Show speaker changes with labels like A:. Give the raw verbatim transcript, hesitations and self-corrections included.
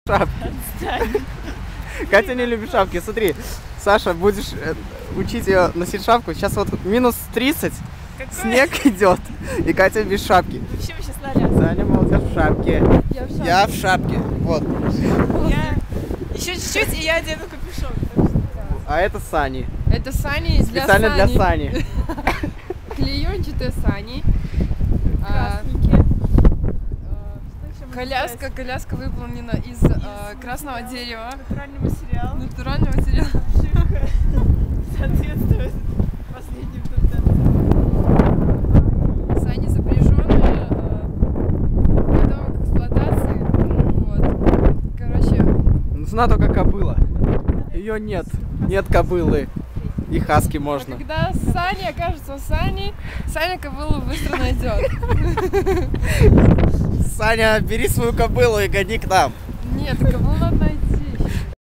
A: шапки. Катя не любит шапки. Смотри, Саша, будешь учить ее носить шапку. Сейчас вот минус тридцать, какой? Снег идет, и Катя без шапки.
B: Вообще мы сейчас наряд.
A: Саня молодец в шапке.
B: Я в шапке.
A: Я в шапке. Вот.
B: Я... Еще чуть-чуть, и я одену капюшон.
A: А это Сани.
C: Это Сани для
A: Специально
C: Сани.
A: для Сани.
C: Клеенчатые Сани.
B: Красненькие.
C: Коляска, коляска выполнена из, из а, красного дерева.
B: Натуральный материал.
C: Натуральный материал.
B: Обшивка соответствует последним тенденциям.
C: Сани запряженные, готовы к эксплуатации. Вот. Короче.
A: Нужна только кобыла. Ее нет. Нет кобылы. И хаски можно.
C: А когда Сани окажется у Сани, Саня кобылу быстро найдет.
A: Саня, бери свою кобылу и гони к нам.
C: Нет, кобылу надо найти.